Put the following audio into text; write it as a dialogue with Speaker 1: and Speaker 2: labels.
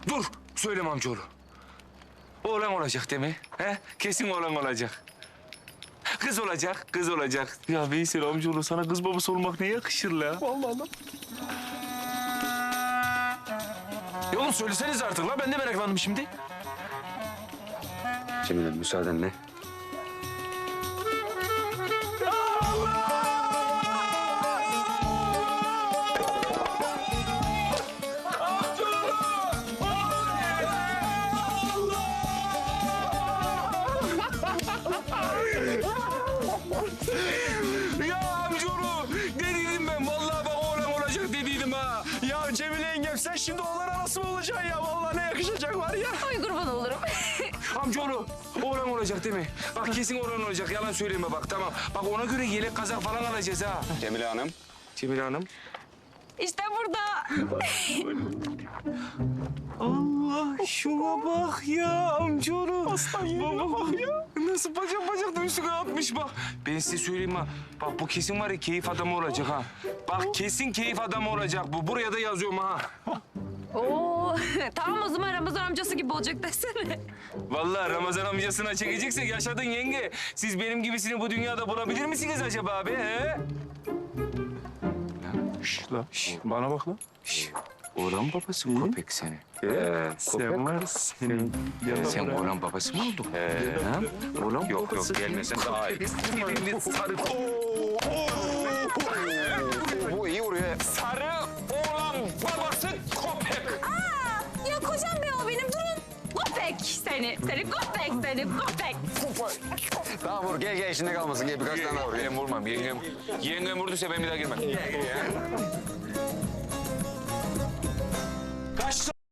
Speaker 1: Dur, söyleme amcaoğlu. Oğlan olacak değil mi? He? Kesin oğlan olacak. Kız olacak, kız olacak. Ya Veysel amcaoğlu sana kız babası olmak ne yakışır la?
Speaker 2: Vallahi lan. Ya oğlum söyleseniz artık la. Ben de meraklandım şimdi.
Speaker 1: Cemile müsaadenle. Ya amcaoğlu dediydim ben. Vallahi bak oğlan olacak dediydim ha.
Speaker 2: Ya Cemile yengem sen şimdi oğlan anası mı olacaksın ya? Vallahi ne yakışacak var ya.
Speaker 3: Ay kurban olurum.
Speaker 1: Amcaoğlu oğlan olacak değil mi? Bak kesin oğlan olacak. Yalan söyleme bak tamam. Bak ona göre yelek kazak falan alacağız ha.
Speaker 4: Cemile Hanım.
Speaker 1: Cemile Hanım.
Speaker 3: İşte burada.
Speaker 1: Allah şuna bak ya amcaoğlu.
Speaker 2: Aslan yeğenime bak ya.
Speaker 1: Nasıl bacak da üstüne atmış bak. Ben size söyleyeyim ha. Bak bu kesin var ya keyif adamı olacak ha. Bak kesin keyif adamı olacak bu. Buraya da yazıyorum ha.
Speaker 3: Oo, tamam o zaman Ramazan amcası gibi olacak desene.
Speaker 1: Vallahi Ramazan amcasına çekeceksek yaşadın yenge. Siz benim gibisini bu dünyada bulabilir misiniz acaba abi he?
Speaker 2: Şş la. Bana bak la.
Speaker 1: Oğlan babası köpek seni.
Speaker 2: Sen var senin.
Speaker 1: Sen oğlan babası mı oldun? Ha? Oğlan
Speaker 4: Yok gelmesen daha iyi.
Speaker 1: Sarı.
Speaker 4: Bu iyi vuruyor.
Speaker 1: Sarı oğlan babası köpek.
Speaker 3: Ya kocam be o benim durun. Köpek seni, köpek.
Speaker 4: Tamam vur gel içinde kalmasın. Gel birkaç tane daha vur.
Speaker 1: Ben vurmam. Yengem vurduysa ben bir daha girmem.